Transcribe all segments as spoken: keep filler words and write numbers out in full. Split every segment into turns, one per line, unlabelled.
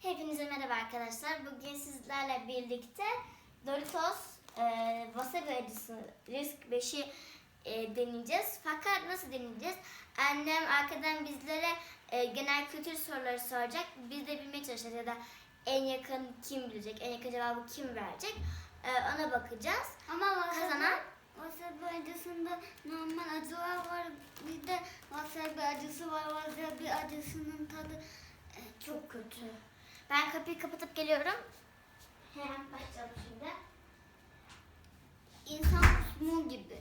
Hepinize merhaba arkadaşlar. Bugün sizlerle birlikte Doritos e, Wasabi acısı Risk beşi e, deneyeceğiz. Fakat nasıl deneyeceğiz? Annem arkadan bizlere e, genel kültür soruları soracak. Biz de bilmeye çalışacağız ya da en yakın kim bilecek, en yakın cevabı kim verecek e, ona bakacağız.
Ama wasabi,
Kazanan
wasabi acısında normal acılar var. Bir de wasabi acısı var. Wasabi acısının tadı e, çok kötü.
Ben kapıyı kapatıp geliyorum. Hemen başlayalım şimdi.
İnsan kusmu gibi.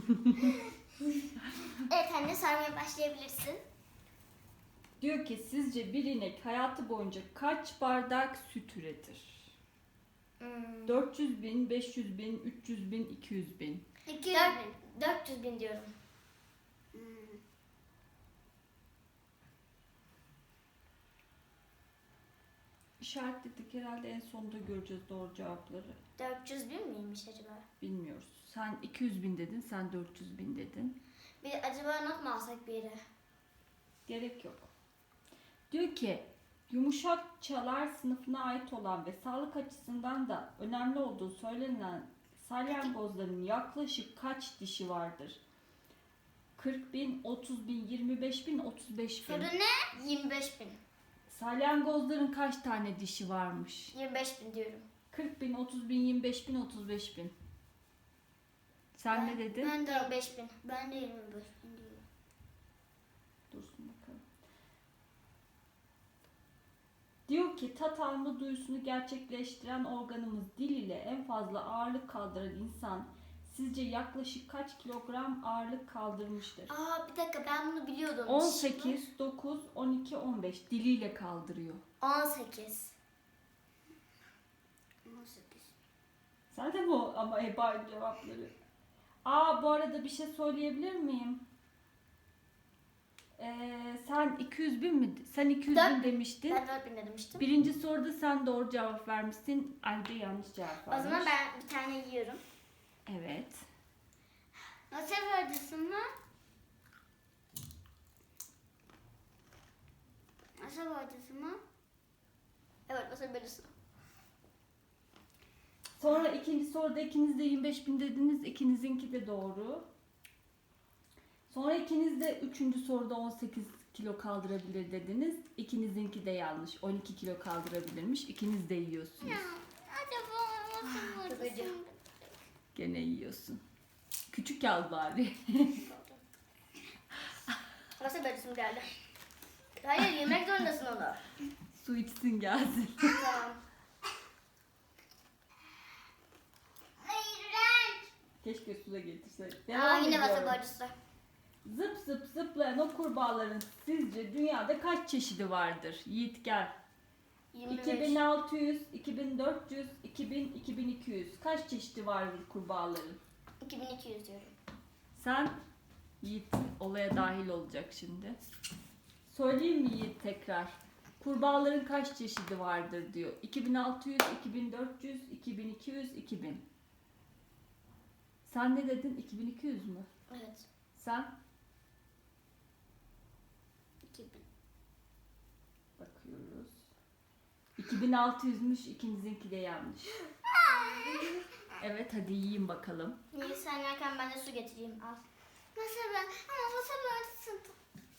Evet anne, sarmaya başlayabilirsin.
Diyor ki sizce bir inek hayatı boyunca kaç bardak süt üretir?
Hmm.
dört yüz bin, beş yüz bin, üç yüz bin, iki yüz bin.
iki yüz
Dört-
bin.
dört yüz bin diyorum.
Hmm.
İşaretledik, herhalde en sonunda göreceğiz doğru cevapları.
dört yüz bin miymiş acaba?
Bilmiyoruz. Sen iki yüz bin dedin, sen dört yüz bin dedin.
Bir acaba not mu alsak bir yere?
Gerek yok. Diyor ki yumuşak çalar sınıfına ait olan ve sağlık açısından da önemli olduğu söylenen salyangozların yaklaşık kaç dişi vardır? kırk bin, otuz bin, yirmi beş bin, otuz beş bin.
Soru ne? yirmi beş bin.
Salyangozların kaç tane dişi varmış?
yirmi beş bin diyorum.
kırk bin, otuz bin, yirmi beş bin, otuz beş bin. Sen
Ben-
ne dedin?
Ben de
yirmi beş bin.
Ben de yirmi beş bin diyorum.
Dursun bakalım. Diyor ki tat alma duyusunu gerçekleştiren organımız dil ile en fazla ağırlık kaldıran insan sizce yaklaşık kaç kilogram ağırlık kaldırmıştır?
Aa bir dakika, ben bunu biliyordum.
on sekiz, dokuz, on iki, on beş diliyle kaldırıyor.
on sekiz.
on sekiz.
Sen de bu ama heba cevapları. Aa bu arada bir şey söyleyebilir miyim? Ee, sen iki yüz bin mi? Sen iki yüz bin
Dört-
demiştin.
Ben dört bin demiştim.
Birinci soruda sen doğru cevap vermişsin. Ayrıca yanlış cevap
O
vermiş.
zaman ben bir tane yiyorum.
Evet.
Wasabi acısı mı? Wasabi acısı mı?
Evet, wasabi acısı.
Sonra ikinci soruda ikiniz de yirmi beş bin dediniz. İkinizinki de doğru. Sonra ikiniz de üçüncü soruda on sekiz kilo kaldırabilir dediniz. İkinizinki de yanlış. on iki kilo kaldırabilirmiş. İkiniz de yiyorsunuz.
Acaba wasabi
çok
acısı
acı.
mı?
Gene yiyorsun. Küçük al bari.
Wasabi acısı mı geldi? Hayır, yemek zorundasın onu.
Su içsin gelsin.
Tamam.
İğrenç.
Keşke su da getirseydik.
Aa
Devam
yine
ediyorum.
wasabi acısı.
Zıp zıp zıplayan o kurbağaların sizce dünyada kaç çeşidi vardır? Yiğit gel.
yirmi
iki
beş.
bin altı yüz, iki bin dört yüz, iki bin, iki bin iki yüz. Kaç çeşidi vardır kurbağaların?
iki bin iki yüz diyorum.
Sen Yiğit olaya dahil olacak şimdi. Söyleyeyim mi Yiğit tekrar? Kurbağaların kaç çeşidi vardır diyor. iki bin altı yüz, iki bin dört yüz, iki bin iki yüz, iki bin. Sen ne dedin? iki bin iki yüz mü?
Evet.
Sen?
iki bin.
Bakıyoruz. iki bin altı yüzmüş, ikinizinki de yanlış. Evet hadi yiyin bakalım.
Niye sen yerken ben de su getireyim, al.
Wasabi ama wasabi acısı.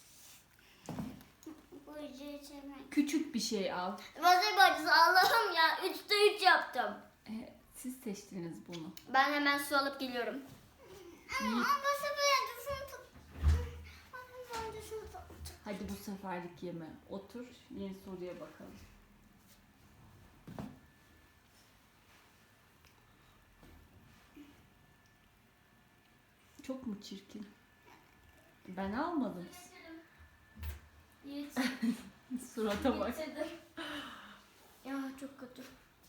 Bu acıyı içemem.
Küçük bir şey al.
Wasabi acısı, Allah'ım ya, üçte üç yaptım.
Ee, siz seçtiniz bunu.
Ben hemen su alıp geliyorum.
Yiğit,
Wasabi acısını tut. Wasabi acısını tut.
hadi bu seferlik yeme. Otur, yeni soruya bakalım. Çok mu çirkin? Ben almadım.
Yiğit.
Surata bak.
Getirdim. Ya çok kötü.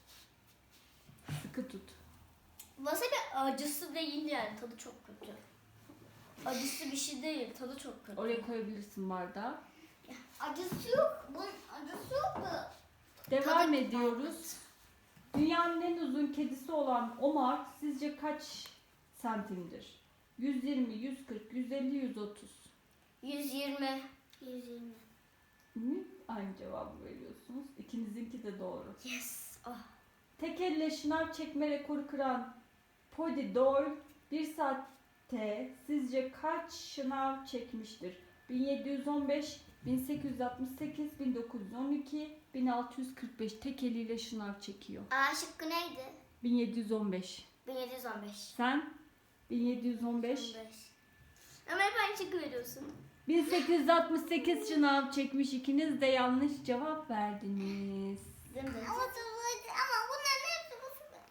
Sıkı tut.
Wasabi acısı değil yani, tadı çok kötü. Acısı bir şey değil, tadı çok kötü.
Oraya koyabilirsin bardağı.
Acısı yok. Bunun acısı yok da.
Devam
Tadı-
ediyoruz. Dünyanın en uzun kedisi olan Omar sizce kaç santimdir? yüz yirmi, yüz kırk, yüz elli, yüz otuz.
yüz yirmi.
yüz yirmi.
Hı? Aynı cevabı veriyorsunuz. İkinizinki de doğru.
Yes. Oh.
Tek elle şınav çekme rekoru kıran Pody Doyle bir saatte sizce kaç şınav çekmiştir? bin yedi yüz on beş, bin sekiz yüz altmış sekiz, bin dokuz yüz on iki, bin altı yüz kırk beş tek eliyle şınav çekiyor.
A şıkkı neydi?
bin yedi yüz on beş.
bin yedi yüz on beş.
Sen? bin yedi yüz on beş.
on beş. Ama hep aynı şıkkı veriyorsun.
bin sekiz yüz altmış sekiz şınav çekmiş. İkiniz de yanlış cevap verdiniz.
Değil mi?
Ama sıvıydı ama bunların hepsi bu sıvı.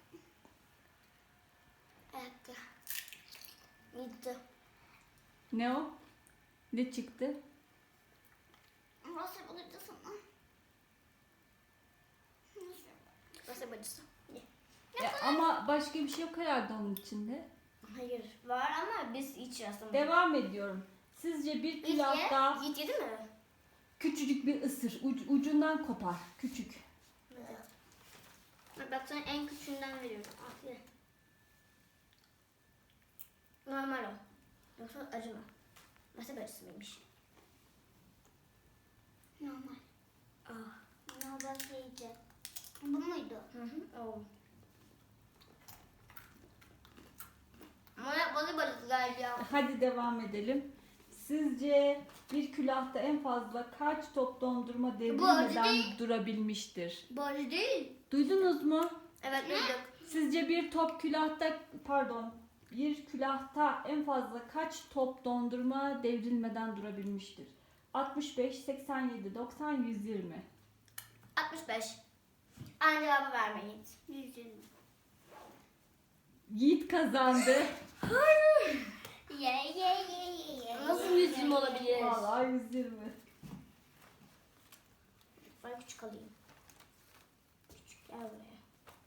Evet. Gitti.
Ne o? Ne çıktı?
Nasıl bulacağız ama?
Nasıl bacısı? Ye.
Ya, ama başka bir şey yok herhalde onun içinde.
Hayır. Var ama biz hiç rastlamadık.
Devam ediyorum. Sizce bir
Yiğit
külahta
ye. Yiğit yedi mi?
küçücük bir ısır. Uc- ucundan kopar. Küçük.
Evet. Bak, bak sana en küçüğünden veriyorum. Al ye. Normal o. Yoksa acı mı? Nasıl bacısı mıymış?
Normal.
Ah.
Normal yiyeceğim. Bu muydu?
Hı hı. O. Ama yapmadı bacısı galiba.
Hadi devam edelim. Sizce bir külahta en fazla kaç top dondurma
acı
devrilmeden
değil.
durabilmiştir?
Bu acı değil.
Duydunuz mu?
Evet duyduk.
Sizce bir top külahta pardon bir külahta en fazla kaç top dondurma devrilmeden durabilmiştir? altmış beş, seksen yedi, doksan, yüz yirmi.
altmış beş. Aynı cevabı vermeyin.
yüz yirmi.
Yiğit kazandı.
Ye ye ye ye ye.
Nasıl yüz yirmi olabilir?
Vallahi yüz yirmi.
Ben küçük alayım. Küçük gel buraya.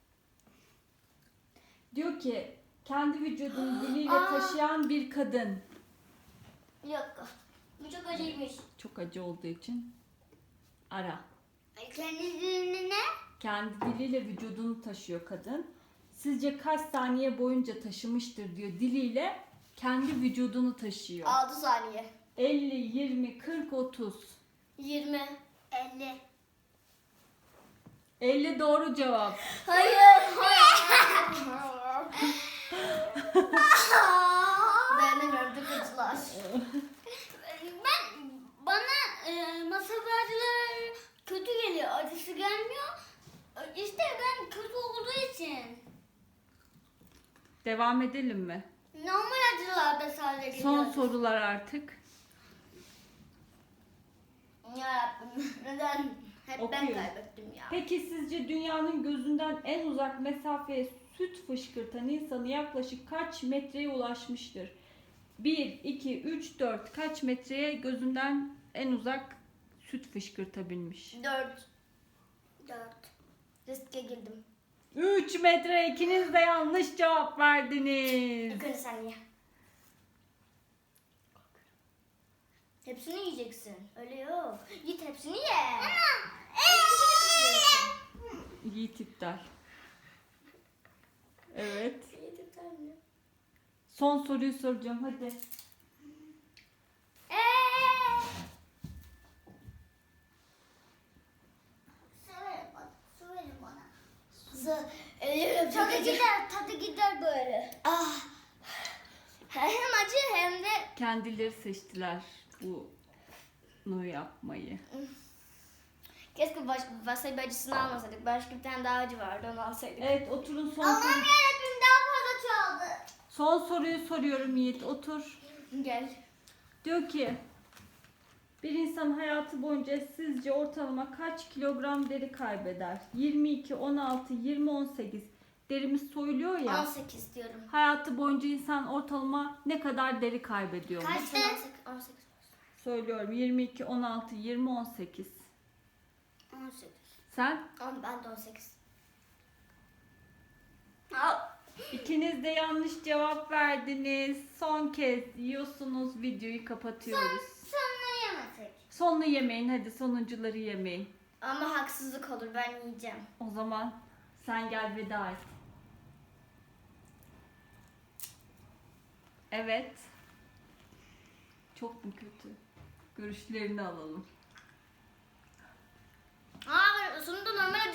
Diyor ki kendi vücudunu diliyle
Aa.
taşıyan bir kadın.
Yok. Bu çok acıymış.
Çok acı olduğu için ara.
Kendisini ne?
Kendi diliyle vücudunu taşıyor kadın. Sizce kaç saniye boyunca taşımıştır diyor diliyle kendi vücudunu taşıyor.
altı saniye.
elli, yirmi, kırk, otuz.
yirmi.
elli.
elli doğru cevap.
Hayır. Dayanamıyorum çok acılar.
Ben bana e, masa bağcıları kötü geliyor. Acısı gelmiyor. İşte ben kötü olduğu için.
Devam edelim mi?
Normal acılarda sadece geliyor.
Son sorular artık.
Yarabbim neden? Hep ben
Okuyorum.
kaybettim ya.
Peki sizce dünyanın gözünden en uzak mesafeye süt fışkırtan insanı yaklaşık kaç metreye ulaşmıştır? bir, iki, üç, dört kaç metreye gözünden en uzak süt fışkırtabilmiş?
Dört.
Dört.
Riske girdim.
üç metre, ikiniz de yanlış cevap verdiniz.
İlk önce sen ye. Hepsini yiyeceksin. Öyle yok. Git hepsini ye.
Yiğit iptal. Evet.
Yedik anne.
Son soruyu soracağım hadi.
Su verin bana. Su verin bana.
Su. Ölüyorum çok
Tadı
acı.
gider, tadı gider böyle.
Ah. Hem acı hem de
Kendileri seçtiler bunu yapmayı.
keşke baş, wasabi acısını almasaydık. Başka bir tane daha acı vardı onu alsaydık.
Evet oturun son
Allah'ım
soru.
yarabbim daha fazla çaldı.
Son soruyu soruyorum Yiğit otur.
Gel.
Diyor ki bir insan hayatı boyunca sizce ortalama kaç kilogram deri kaybeder? yirmi iki, on altı, yirmi, on sekiz. Derimiz soyuluyor ya.
on sekiz diyorum.
Hayatı boyunca insan ortalama ne kadar deri kaybediyor?
Kaçtı? on sekiz. on sekiz.
Söylüyorum yirmi iki, on altı, yirmi, on sekiz.
on sekiz.
Sen?
On, ben de on sekiz. Al.
İkiniz de yanlış cevap verdiniz. Son kez yiyorsunuz, videoyu kapatıyoruz.
Sonra yemesek.
Sonunu yemeyin, hadi sonuncuları yemeyin.
Ama haksızlık olur ben yiyeceğim.
O zaman sen gel veda et. Evet. Çok mu kötü? Görüşlerini alalım.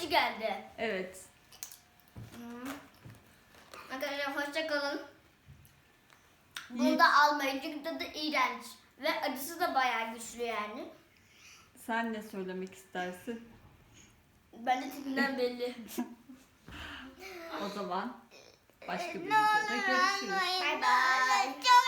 acı geldi.
Evet.
Hmm. Arkadaşlar hoşça kalın.
Yiğit.
Bunu da almayın çünkü tadı iğrenç. Ve acısı da bayağı güçlü yani.
Sen ne söylemek istersin?
Ben de tipinden belli.
O zaman başka bir videoda görüşürüz.
Bye bye.
Çok